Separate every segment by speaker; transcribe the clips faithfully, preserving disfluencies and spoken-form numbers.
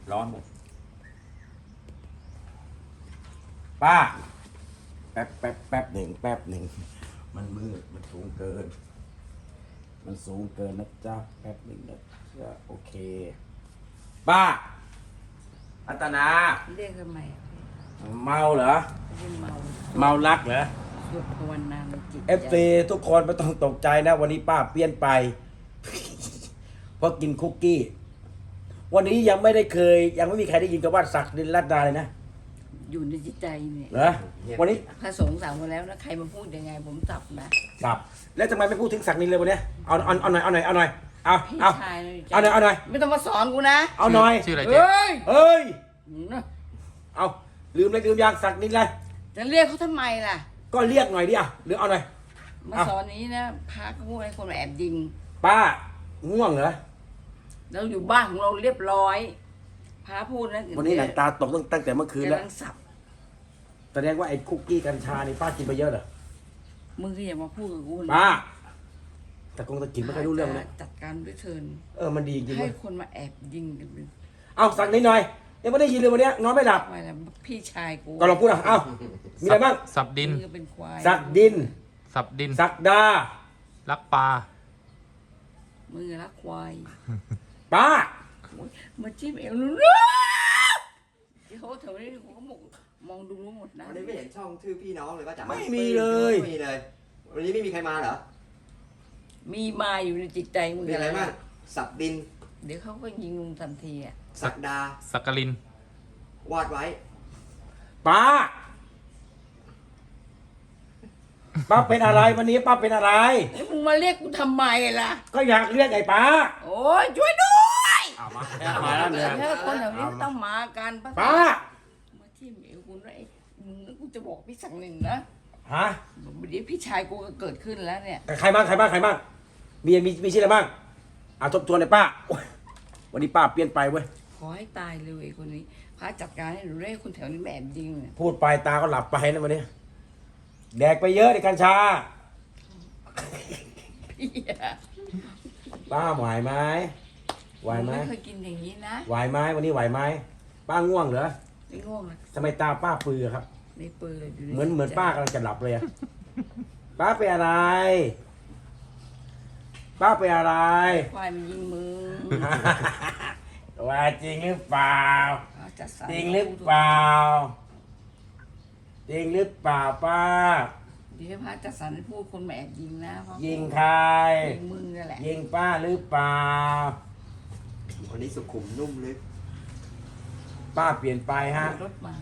Speaker 1: ร้อนหมดป้าแป๊บแป๊บแป๊บหนึ่งแป๊บหนึ่งมันมืดมันสูงเกิน มันสูงเกินนะจ๊ะแป๊บหนึ่งนะจ๊ะโอเคป้าอัตนา
Speaker 2: เรียกทำไม
Speaker 1: เมาเหรอ
Speaker 2: เรียกเมา
Speaker 1: เมารักเหรอ
Speaker 2: สวดภาวนาในจิต
Speaker 1: เอฟซีทุกคนไม่ต้องตกใจนะ วันนี้ป้าเปลี่ยนไป เพราะกินคุกกี้ วันนี้ยังไม่ได้เคย ยังไม่มีใครได้ยินกับว่าศักดินรัตดาเลยนะ
Speaker 2: อยู่ในจิตใจเนี่ย
Speaker 1: เหรอวันนี้
Speaker 2: พระสงฆ์สั่งมาแล้วนะใครมาพูดยังไงผมจับนะ
Speaker 1: สับแล้วทำไมไม่พูดถึงศักดินเลยวันนี้เอาเอาเอาหน่อยเอาหน่อยเอาหน่อยเอา
Speaker 2: พี่
Speaker 1: เอา
Speaker 2: ชายเลย
Speaker 1: เอาหน่อยเอาหน่อย
Speaker 2: ไม่ต้องมาสอนกูนะ
Speaker 1: เอาหน่อย
Speaker 3: ชื่ออะไร
Speaker 2: เฮ
Speaker 3: เจ๊
Speaker 2: ้ย
Speaker 1: เอ้ย
Speaker 2: นะ
Speaker 1: เอาลืมเลยลืมยางศักดินเลย
Speaker 2: จะเรียกเขาทำไมล่ะ
Speaker 1: ก็เรียกหน่อยดิอ่ะหรือเอาหน่อย
Speaker 2: มา
Speaker 1: เอา
Speaker 2: สอนนี้นะพระก็พูดให้คนมาแอบยิง
Speaker 1: ป้าง่วงเหรอ
Speaker 2: เราอยู่บ้านของเราเรียบร้อยพระพูดนะ
Speaker 1: วันนี้หนังตาตกตั้งตั้งแต่เมื่อคืน
Speaker 2: กำ
Speaker 1: แล้ว
Speaker 2: ลังสับ
Speaker 1: แสดงว่าไอ้คุกกี้กัญชานี่ป้ากินไปเยอะเหรอ
Speaker 2: มึงก็อย่ามาพูดกับกูนะ
Speaker 1: ป้าแต่คงตะกินไม่ค่อยรู้เรื่องนะ
Speaker 2: จัดการด้วยเทิน
Speaker 1: เออมันดีจริง
Speaker 2: ให้
Speaker 1: เว้ย
Speaker 2: คนมาแอบยิงกันเป็น
Speaker 1: เอาสั่งนิดหน่อยยังไม่ได้ยินเลยวันเนี้ยนอนไม่หลับ
Speaker 2: อะไรนะพี่ชายกู
Speaker 1: ก็ลองพูดอ่ะเอ้ามีอะไรบ้าง
Speaker 3: สับดิน
Speaker 2: มึงก็เป็นควาย
Speaker 1: สักดิน
Speaker 3: สับดิน
Speaker 1: สักดา
Speaker 3: รักปลา
Speaker 2: มึงอะรักควาย
Speaker 1: ป้า
Speaker 2: โอ๊ยมาจิ้มเอวนู้นนะที่เขาแถวนี้เขาก็มองมองดูรู้หมดนะ
Speaker 4: วันนี้ไม่เห็นช่องชื่อพี่น้องเลยว่าจ๋า
Speaker 1: ไม่มีเลย
Speaker 4: ไม่มีเลย วันนี้ไม่มีใครมาเหรอ
Speaker 2: มีมาอยู่ในจิตใจมึง
Speaker 4: มีอะไรบ้างสับดิน
Speaker 2: เดี๋ยวเขาก็ยิงมึงทันทีอ่ะ
Speaker 4: สักดา
Speaker 3: สักกลิน
Speaker 4: วาดไว้
Speaker 1: ป้าป้าเป็นอะไรวันนี้ป้าเป็นอะไร
Speaker 2: แล้วมึงมาเรียกกูทำไมล่ะ
Speaker 1: ก็อยากเรียกไอ้ป้า
Speaker 2: โอ้ยช่วยด้วย
Speaker 1: เอามามาแล้วเนี่ย
Speaker 2: ถ้าคนแถวนี้ไม่ต้องมากัน
Speaker 1: ป้า
Speaker 2: มาจิ้มเอวกูนะไอ้มึงกูจะบอกพี่สั่งหนึ่งนะ
Speaker 1: ฮะ
Speaker 2: เดี๋ยวพี่ชายกูก็เกิดขึ้นแล้วเนี่ย
Speaker 1: ใครบ้างใครบ้างใครบ้างมีมีมีชื่ออะไรบ้างเอาทบทวนเลยป้าโอ๊ยวันนี้ป้าเปลี่ยนไปเว้ย
Speaker 2: ขอให้ตายเลยไอ้คนนี้พระจัดการให้หนูได้คนแถวนี้แม่แอบยิงเนี่ย
Speaker 1: พูดไปตาก็หลับไปนะวันนี้แดกไปเยอะในกัญชา
Speaker 2: พี่อะ
Speaker 1: ป้าไหวไหมไหวไหม
Speaker 2: ไม่เคยกินอย่างนี้นะ
Speaker 1: ไหวไหมวันนี้ไหวไหมป้าง่วงเหรอ
Speaker 2: ไม่ง่วงนะ
Speaker 1: ทำไมตาป้าปลือครับ
Speaker 2: ในเปิดเลยดู
Speaker 1: เหมือนเหมือนป้ากำลังจะหลับเลยอะป้าเป็นอะไร ป้าเป็นอะไร
Speaker 2: ควายมันยิงมึง
Speaker 1: ว่าจริงหรือเปล่า
Speaker 2: เอาจัดสร
Speaker 1: จริงหรือเปล่า จริงหรือเปล่าป้า
Speaker 2: เดี๋ยวให้พระจัดสรรให้พูดคนมาแอบยิงนะเพราะ
Speaker 1: ยิงใคร
Speaker 2: ยิงมึงนั่นแหละ
Speaker 1: ยิงป้าหรือเปล่า
Speaker 4: วันนี้สุขุมนุ่มลึก
Speaker 1: ป้าเปลี่ยนไปฮะ
Speaker 2: รถมา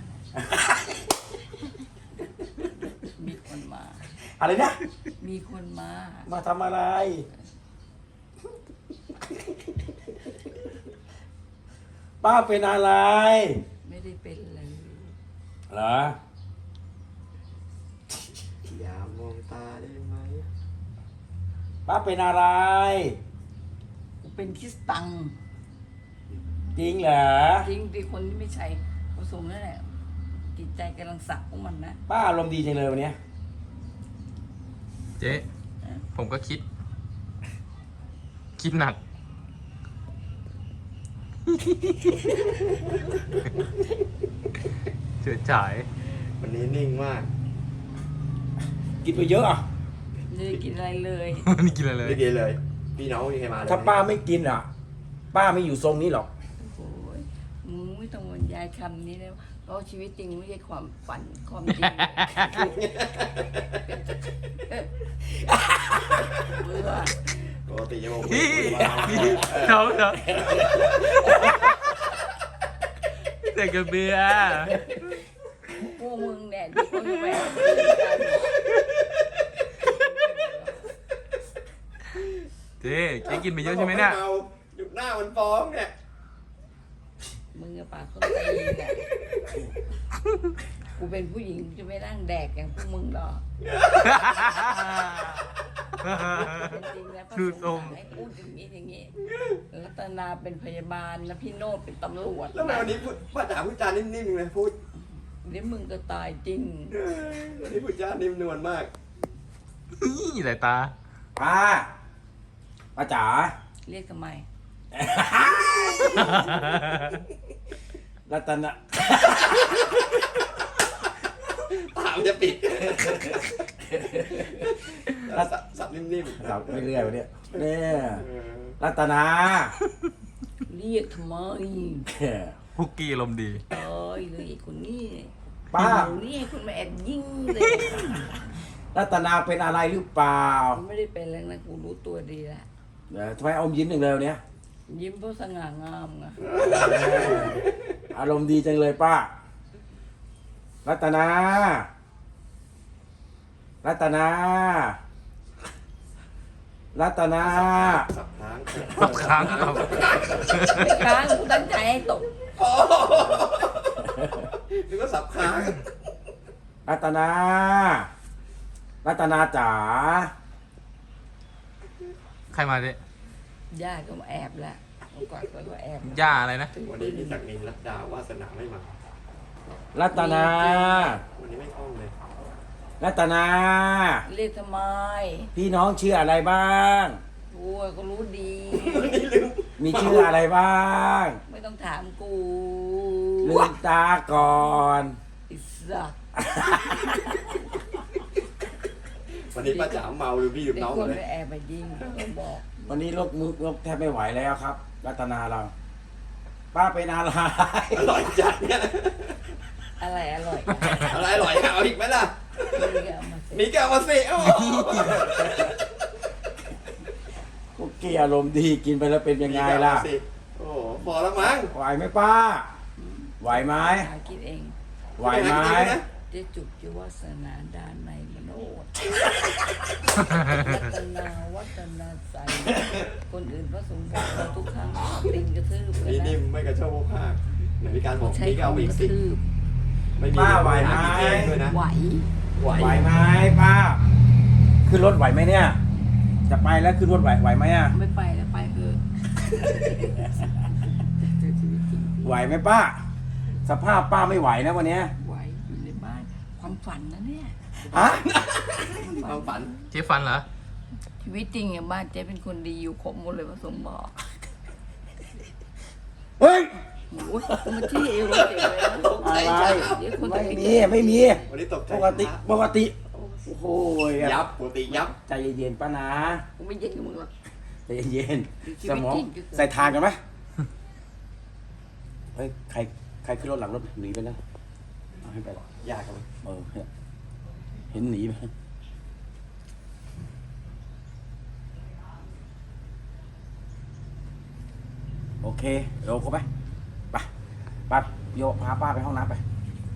Speaker 2: มีคนมา
Speaker 1: อะไรนะ
Speaker 2: มีคนมา
Speaker 1: มาทำอะไร ป้าเป็นอะไร
Speaker 2: ไม่ได้เป็นเลย
Speaker 1: เหรอ
Speaker 4: อย่ามองตาได้ไหม
Speaker 1: ป้าเป็นอะไร
Speaker 2: กูเป็นคริสตัง
Speaker 1: จริงเหรอ
Speaker 2: จริงที่คนที่ไม่ใช่ผสมนั่นแหละจิตใจกำลังสักของมันนะ
Speaker 1: ป้าอารมณ์ดีจังเลยวันเนี้ย
Speaker 3: เจ๊ผมก็คิด คิดหนัก เฉื่อยฉาย
Speaker 4: วันนี้นิ่งมาก
Speaker 1: กินไปเยอะอ่ะ
Speaker 2: ไม่ได้กินอะไรเลย
Speaker 3: นี่กินอะไรเลย
Speaker 4: ไม่กินเลย พี่น้องไม่มีใครมาเลย
Speaker 1: ถ้าป้าไม่กินอ่ะ ป้าไม่อยู่ทรงนี้หรอก
Speaker 2: โอ้ยมึงไม่ต้องบรรยายคำนี้เลยเพราะชีวิตจริงไม่ใช่ความฝันความจริงเบื่อ
Speaker 4: ปกติจะบอก
Speaker 3: พี่
Speaker 4: ว่า
Speaker 3: เขาเหรอแต่กระเบือ
Speaker 2: พวกมึงเนี่ยที่เขาอยู่แบบ
Speaker 3: เจ๊เจ๊กินไปเยอะใช่ไหมเนี่ย
Speaker 4: อาหยุดหน้ามันฟ้องเนี่ย
Speaker 2: มึงกับปากคนตีนเนี่ยกูเป็นผู้หญิงจะไม่นั่งแดกอย่างพวกมึงหรอกจริงๆแล้วพระ
Speaker 3: ดูท
Speaker 2: ส
Speaker 3: รง ง
Speaker 2: ฆ์ให้พูดอย่างนี้อย่างนี้รัตนาเป็นพยาบาลนะพี่โนดเป็นตำรวจ
Speaker 4: แล้วทำไมวันนี้พูดป้าจ๋าพูดจานิ่มๆเลยพูด
Speaker 2: เดี๋ยวมึงก็ตายจริง
Speaker 4: วันนี้พูดจานิ่มนวลมาก
Speaker 3: นี่สายตา
Speaker 1: ป้า ป้าจ๋า
Speaker 2: เรียกทำไม
Speaker 1: รัตนะ
Speaker 4: ตามจะปิดสับสับนิ่มๆ
Speaker 1: เราไม่เรื่อยวะเนี่ยเนี่ย
Speaker 4: เออ
Speaker 1: รัตนา
Speaker 2: เรียกทำไม
Speaker 3: คุกกี้ลมณ์ดี
Speaker 2: ตายเลยไอ้คนนี้
Speaker 1: ป้า
Speaker 2: หนูนี่ให้คนมาแอบยิงเลย
Speaker 1: รัตนาเป็นอะไรหรือเปล่า
Speaker 2: มันไม่ได้เป็นแล้วนะกูรู้ตัวดีละ
Speaker 1: เออทำไมอมยิ้มหนึ่งเลยวันเนี้ย
Speaker 2: ยิ้มเพราะสง่างามไง
Speaker 1: อารมณ์ดีจังเลยป้า รัตนา รัตนา รัตนา
Speaker 4: สับค้าง
Speaker 3: สับค้างครับ
Speaker 2: ไม่ค้างกูตั้งใจให้ตก
Speaker 4: โอ้นึกว่าสับค้าง
Speaker 1: รัตนา รัตนาจ๋า
Speaker 3: ใครมาดิ
Speaker 2: ญาติก็มาแอบละเมื่อก่อนเขาก็แอบ
Speaker 3: ย่าอะไรนะ
Speaker 4: วันนี้มีศักดิ์นินรัตดาวาสนาไม่มา
Speaker 1: รัตนา
Speaker 4: วันนี้ไม่คล่องเลย
Speaker 1: รัตนา
Speaker 2: เรียกทำไม
Speaker 1: พี่น้องชื่ออะไรบ้าง
Speaker 2: กูก็รู้ดี
Speaker 4: วันนี้ลืม
Speaker 1: มีชื่ออะไรบ้าง
Speaker 2: ไม่ต้องถามกู
Speaker 1: ลืมตาก่อน
Speaker 2: อิสัก
Speaker 4: วันนี้ป้าจ๋าเมาหรือพี่หรือ
Speaker 2: เด็ก
Speaker 4: น้อง
Speaker 2: คน
Speaker 4: เลย
Speaker 2: ไปแอบไปยิงก็บอก
Speaker 1: วันนี้ลกมือลกแทบไม่ไหวแล้วครับ รัตนาเรา ป้าเป็นอะไร
Speaker 4: อร่อยจัดเนี่ย
Speaker 2: อะไรอร่อย
Speaker 4: อะไรอร่อยเอาอีกไหมล่ะ
Speaker 2: นี่ก็เอามาสิ
Speaker 4: มีแก้วมาสิโอ้โห
Speaker 1: คุกกี้อารมณ์ดีกินไปแล้วเป็นยังไงล่ะ
Speaker 4: มีแก้วมาสิโอ้โหพอแล้วมั้ง
Speaker 1: ไหวไหมป้า ไหวไหม
Speaker 2: หาคิดเอง
Speaker 1: ไหวไหม
Speaker 2: เจะจุกจะวาสนาดานในมโนดวัฒนาวัฒนาใสคนอื่นพระสงฆ์บอกเราทุกครั้งติงกระทืบกัน
Speaker 4: นี่
Speaker 2: นะ
Speaker 4: นิ่มไม่กระโชกโคกหักไหนมีการบอก
Speaker 2: ใช้
Speaker 4: มีแก้ว
Speaker 2: คำ
Speaker 4: อีก
Speaker 2: กระ
Speaker 4: สิ
Speaker 2: ทืบ
Speaker 4: ไม่มี
Speaker 1: ป้าไหวไหม
Speaker 4: ากินเองด้วยนะ
Speaker 2: ไหว
Speaker 4: ไหว
Speaker 1: ไหวไหมป้า ขึ้นรถไหวไหมเนี่ย จะไปแล้วขึ้นรถไหวไหวไหมอ่ะ
Speaker 2: ไม่ไปแล้วไปเถอะเจอชีวิตจริง
Speaker 1: ไหวไหมป้า สภาพป้าไม่ไหวนะวันเนี้ย
Speaker 2: ไหวอยู่ในบ้านความฝันนะเนี่ย
Speaker 1: ฮะ
Speaker 4: ความฝัน
Speaker 3: เจ๊ฟันเหรอ
Speaker 2: ชีวิตจริงอ่ะบ้านเจ๊เป็นคนดีอยู่ครบหมดเลยพระสงฆ์บอก
Speaker 1: เฮ้ย
Speaker 2: โอ้ยมันที่เอวเจ๋งเลยนะ
Speaker 1: อะไร
Speaker 2: เดี๋ยวคน
Speaker 1: ไม่
Speaker 2: จะไป
Speaker 1: มีไม่มี
Speaker 4: วันนี้ตกใจ
Speaker 1: ปกติปกติ โอ้โห
Speaker 4: ยับปกติยับ
Speaker 1: ใจเย็นๆป้านะ
Speaker 2: กูไม่เย็นกับมึงหรอก
Speaker 1: ใจเย็น
Speaker 2: ชี
Speaker 1: ๆส
Speaker 2: วิต
Speaker 1: มอง
Speaker 2: จริงก็คือ
Speaker 1: ใส่ทานกันไหมเฮ้ยใครใครขึ้นรถหลังรถหนีไปนะเอาให้ไปหรอก
Speaker 4: ยากกัน
Speaker 1: เออเห็นหนีไหมโอเคเดี๋ยวเข้าไปไปป้าโยพาป้าไปห้องน้ำไป